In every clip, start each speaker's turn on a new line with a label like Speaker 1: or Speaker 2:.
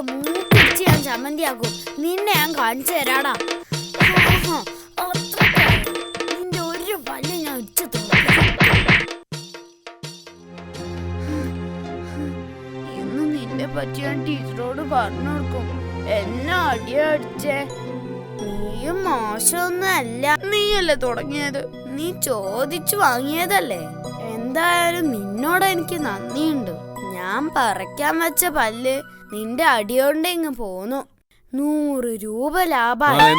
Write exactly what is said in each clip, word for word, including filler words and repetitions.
Speaker 1: മൂക്കിടിച്ച് ഞാൻ ചമ്മന്തിയാക്കും. നിന്നെ ഞാൻ കാണിച്ചു തരാടാ. നിന്റെ ഒരു പല്ല് ഞാൻ ഇടിച്ചു ഇന്ന് നിന്നെ പറ്റി ഞാൻ ടീച്ചറോട് പറഞ്ഞു കൊടുക്കും. എന്നെ അടിയാ അടിച്ചേ. നീയും മോശമൊന്നും അല്ല. നീയല്ലേ തുടങ്ങിയത്. നീ ചോദിച്ചു വാങ്ങിയതല്ലേ. എന്തായാലും നിന്നോട് എനിക്ക് നന്ദിയുണ്ട്. ഞാൻ പറിക്കാൻ വെച്ച പല്ല് നിന്റെ അടിയോണ്ട് ഇങ്ങ് പോന്നു. നൂറ് രൂപ ലാഭമായി.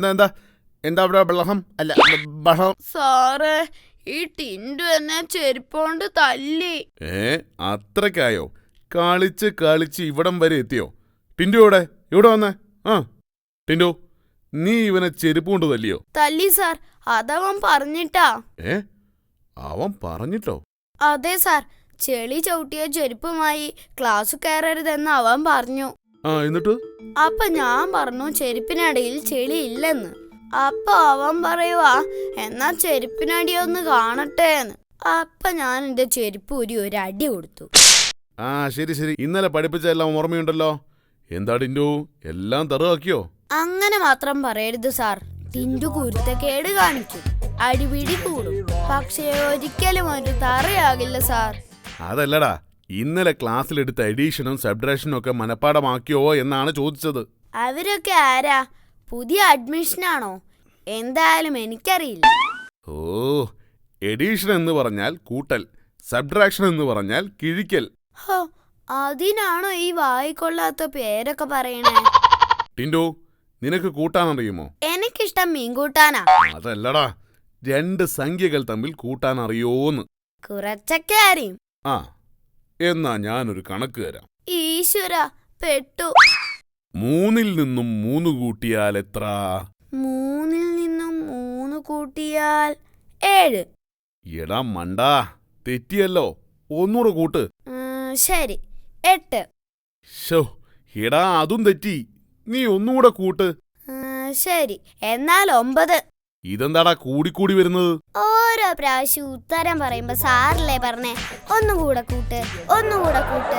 Speaker 1: സാറേ, ഈ ടിൻഡു എന്നെ ചെരുപ്പോണ്ട് തല്ലി.
Speaker 2: ഏ അത്രക്കായോ? കളിച്ച് കളിച്ച് ഇവിടം വരെ എത്തിയോ? ടിൻഡു ഇവിടെ ഇവിടെ വന്നേ. ആ ടിൻഡു, നീ ഇവനെ ചെരുപ്പ് കൊണ്ട് തല്ലിയോ?
Speaker 1: തല്ലി സാർ. അതവൻ പറഞ്ഞിട്ടാ.
Speaker 2: ഏ അവൻ പറഞ്ഞിട്ടോ?
Speaker 1: അതെ സാർ. ചെളി ചവിട്ടിയ ചെരുപ്പുമായി ക്ലാസ് കയറരുതെന്ന് അവൻ പറഞ്ഞു.
Speaker 2: ആ എന്നിട്ട്?
Speaker 1: അപ്പൊ ഞാൻ പറഞ്ഞു ചെരുപ്പിനടിയിൽ ചെളി ഇല്ലെന്ന്. അപ്പൊ അവൻ പറയുവാ എന്നാ ചെരുപ്പിനടിയൊന്ന് കാണട്ടെ എന്ന്. അപ്പൊ ഞാൻ എന്റെ ചെരുപ്പ് ഊരി ഒരു അടി കൊടുത്തു.
Speaker 2: ആ ശരി ശരി, ഇന്നലെ പഠിപ്പിച്ച എല്ലാം ഓർമ്മയുണ്ടല്ലോ. എന്താ ടിൻഡു, എല്ലാം തറുവാക്കിയോ?
Speaker 1: അങ്ങനെ മാത്രം പറയരുത് സാർ. ടിൻഡു കുരുത്തക്കേട് കാണിക്കും, അടിപിടി കൂടും. പക്ഷേ ഒരിക്കലും ഒരു തറയാകില്ല സാർ.
Speaker 2: അതല്ലടാ, ഇന്നലെ ക്ലാസ്സിലെടുത്ത എഡീഷനും സബ്ട്രാക്ഷനും ഒക്കെ മനപ്പാടമാക്കിയോ എന്നാണ് ചോദിച്ചത്.
Speaker 1: അവരൊക്കെ ആരാ? പുതിയ അഡ്മിഷനാണോ? എന്തായാലും എനിക്കറിയില്ല.
Speaker 2: ഓ, എഡീഷൻ എന്ന് പറഞ്ഞാൽ കൂട്ടൽ, സബ്ട്രാക്ഷൻ എന്ന് പറഞ്ഞാൽ കിഴിക്കൽ.
Speaker 1: ഹോ, അതിനാണോ ഈ വായിക്കൊള്ളാത്ത പേരൊക്കെ പറയണേ?
Speaker 2: ടിൻഡു, നിനക്ക് കൂട്ടാനറിയുമോ?
Speaker 1: എനിക്കിഷ്ടം മീൻ കൂട്ടാനാ.
Speaker 2: അതല്ലടാ, രണ്ട് സംഖ്യകൾ തമ്മിൽ കൂട്ടാൻ അറിയോന്ന്.
Speaker 1: കുറച്ചൊക്കെ അറിയും.
Speaker 2: ആ, എന്നാ ഞാനൊരു കണക്ക് തരാം.
Speaker 1: ഈശ്വര, പെട്ടു.
Speaker 2: മൂന്നിൽ നിന്നും മൂന്ന് കൂട്ടിയാൽ എത്ര?
Speaker 1: മൂന്നിൽ നിന്നും മൂന്ന് കൂട്ടിയാൽ ഏഴ്.
Speaker 2: എടാ മണ്ടാ, തെറ്റിയല്ലോ. ഒന്നൂറ് കൂട്ട്.
Speaker 1: ശരി, എട്ട്.
Speaker 2: ശോ, എടാ അതും തെറ്റി. നീ ഒന്നുകൂടെ കൂട്ട്.
Speaker 1: ശരി, എന്നാൽ ഒമ്പത്.
Speaker 2: ഇതെന്താടാ കൂടിക്കൂടി വരുന്നത്?
Speaker 1: ഓരോ പ്രാവശ്യം ഉത്തരം പറയുമ്പോ സാറല്ലേ പറഞ്ഞേ ഒന്നുകൂടെ കൂട്ട്, ഒന്നുകൂടെ കൂട്ട്.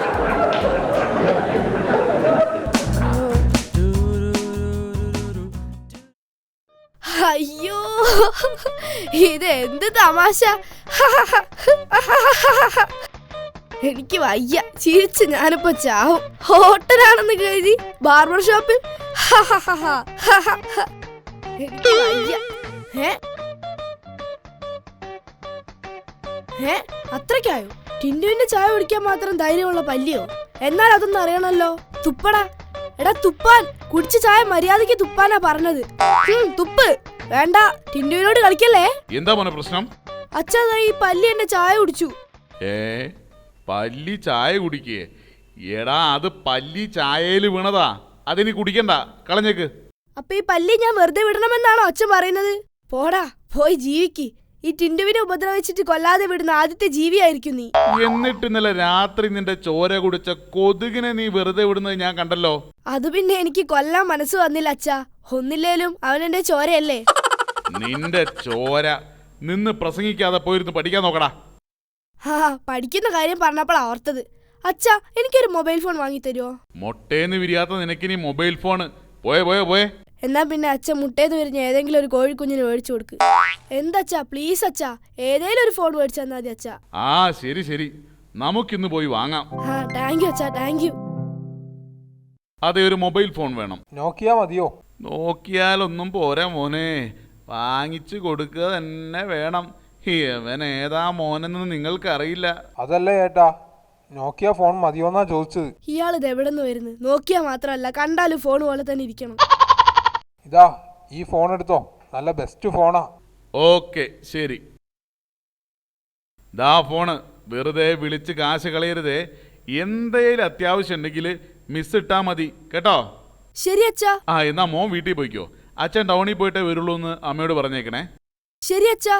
Speaker 1: അയ്യോ, ഇതെന്ത് തമാശ. എനിക്ക് വയ്യ, ചിരിച്ച് ഞാനിപ്പോ ചാവും. ഹോട്ടലാണെന്ന് കരുതി ബാർബർ ഷോപ്പിൽ. എനിക്ക് വയ്യ. അത്രയ്ക്കായോ? ടിൻഡുവിന്റെ ചായ കുടിക്കാൻ മാത്രം ധൈര്യമുള്ള പല്ലിയോ? എന്നാൽ അതൊന്നും അറിയണല്ലോ. തുപ്പടാ. എടാ തുപ്പാൻ. കുടിച്ച ചായ മര്യാദക്ക് തുപ്പാനാ പറഞ്ഞത്. തുപ്പ്. വേണ്ട, ടിൻഡുവിനോട് കളിക്കല്ലേ.
Speaker 2: എന്താ മോനെ പ്രശ്നം?
Speaker 1: അച്ഛാ, ഈ പല്ലി എന്റെ ചായ കുടിച്ചു.
Speaker 2: ഏ പല്ലി ചായ കുടിക്കേ? എടാ അത് പല്ലി ചായയില് വീണതാ, അതിനി കുടിക്കണ്ട, കളഞ്ഞേക്ക്.
Speaker 1: അപ്പൊ ഈ പല്ലി ഞാൻ വെറുതെ വിടണമെന്നാണോ അച്ഛൻ പറയുന്നത്? പോടാ, പോയി ജീവിക്ക്. ഈ ടിൻഡുവിനെ ഉപദ്രവിച്ചിട്ട് കൊല്ലാതെ വിടുന്ന ആദ്യത്തെ ജീവിയായിരിക്കും നീ.
Speaker 2: എന്നിട്ട് ഇന്നലെ രാത്രി നിന്റെ ചോര കുടിച്ച കൊതുകിനെ നീ വെറുതെ വിടുന്നത് ഞാൻ കണ്ടല്ലോ.
Speaker 1: അത് പിന്നെ എനിക്ക് കൊല്ലാൻ മനസ്സ് വന്നില്ല അച്ഛാ. ഒന്നില്ലേലും അവനെന്റെ ചോരയല്ലേ.
Speaker 2: നിന്റെ ചോര നിന്ന് പ്രസംഗിക്കാതെ പോയിരുന്നു പഠിക്കാൻ നോക്കടാ.
Speaker 1: ഹാ, പഠിക്കുന്ന കാര്യം പറഞ്ഞപ്പോൾ ഓർത്തത്. അച്ഛാ, എനിക്കൊരു മൊബൈൽ ഫോൺ വാങ്ങി തരുമോ?
Speaker 2: മൊട്ടേന്ന് വിരിയാത്ത നിനക്കിനി മൊബൈൽ ഫോണ് പോയെ പോയെ പോയെ.
Speaker 1: എന്നാ പിന്നെ അച്ഛൻ മുട്ടേന്ന് വിരിഞ്ഞ ഏതെങ്കിലും ഒരു കോഴിക്കുഞ്ഞിന് മേടിച്ചു കൊടുക്ക്. എന്തച്ചാ, പ്ലീസ് അച്ഛാ, ഏതെങ്കിലും ഒരു ഫോൺ മേടിച്ചു തന്നാ മതി അച്ഛാ.
Speaker 2: ആ ശരി ശരി, നമുക്കിന്ന് പോയി വാങ്ങാം.
Speaker 1: ആ താങ്ക് യു അച്ഛാ, താങ്ക് യു.
Speaker 2: അതെ, ഒരു മൊബൈൽ ഫോൺ വേണം.
Speaker 3: നോക്കിയാ മതിയോ?
Speaker 2: നോക്കിയാലൊന്നും പോരാ മോനെ, വാങ്ങിച്ചു കൊടുക്കുക തന്നെ വേണം. ഇവൻ ഏതാ മോനെന്ന് നിങ്ങൾക്കറിയില്ല.
Speaker 3: അതല്ല ഏട്ടാ, നോക്കിയ ഫോൺ മതിയോന്നാ ചോദിച്ചത്.
Speaker 1: ഇയാളിത് എവിടെ നിന്ന് വരുന്നു? നോക്കിയാ മാത്രല്ല, കണ്ടാലും ഫോൺ പോലെ തന്നെ ഇരിക്കണം.
Speaker 3: ഇതാ ഈ ഫോൺ എടുത്തോ, നല്ല ബെസ്റ്റ് ഫോണാ.
Speaker 2: ഓക്കെ ശരി, ദാ ഫോണ്. വെറുതെ വിളിച്ച് കാശ് കളയരുതേ. എന്തേലും അത്യാവശ്യം ഉണ്ടെങ്കിൽ മിസ് ഇട്ടാ മതി കേട്ടോ.
Speaker 1: ശരി അച്ഛാ.
Speaker 2: ആ എന്നാ മോൻ വീട്ടിൽ പോയിക്കോ. അച്ഛൻ ടൗണിൽ പോയിട്ടേ വരുള്ളൂ എന്ന് അമ്മയോട് പറഞ്ഞേക്കണേ.
Speaker 1: ശരി അച്ഛാ.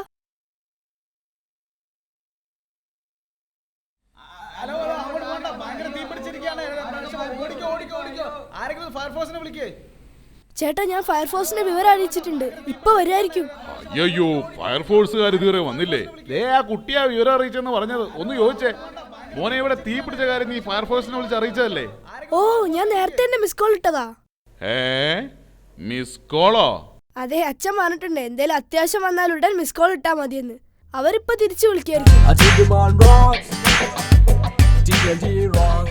Speaker 1: ചേട്ടാ, ഞാൻ ഫയർഫോഴ്സിന്റെ വിവരം അറിയിച്ചിട്ടുണ്ട്. ഇപ്പൊ വരുമായിരിക്കും.
Speaker 2: അയ്യോ, ഫയർഫോഴ്സുകാർ ഇതുവരെ വന്നില്ലേ? ദേ ആ കുട്ടിയാ വിവരം അറിയിച്ചെന്ന് പറഞ്ഞത്. ഒന്ന് ചോദിച്ചേ, മോനെ ഇവിടെ തീ പിടിച്ച കാര്യം നീ ഫയർഫോഴ്സിനെ വിളിച്ച് അറിയിച്ചതല്ലേ?
Speaker 4: ഓ ഞാൻ നേരത്തെ തന്നെ മിസ് കോൾ ഇട്ടതാ.
Speaker 2: ഏ മിസ് കോളോ?
Speaker 4: അതെ, അച്ഛൻ പറഞ്ഞിട്ടുണ്ട് എന്തേലും അത്യാവശ്യം വന്നാൽ ഉടൻ മിസ് കോൾ ഇട്ടാ മതിയെന്ന്. അവരിപ്പോ തിരിച്ചു വിളിക്കായിരിക്കും.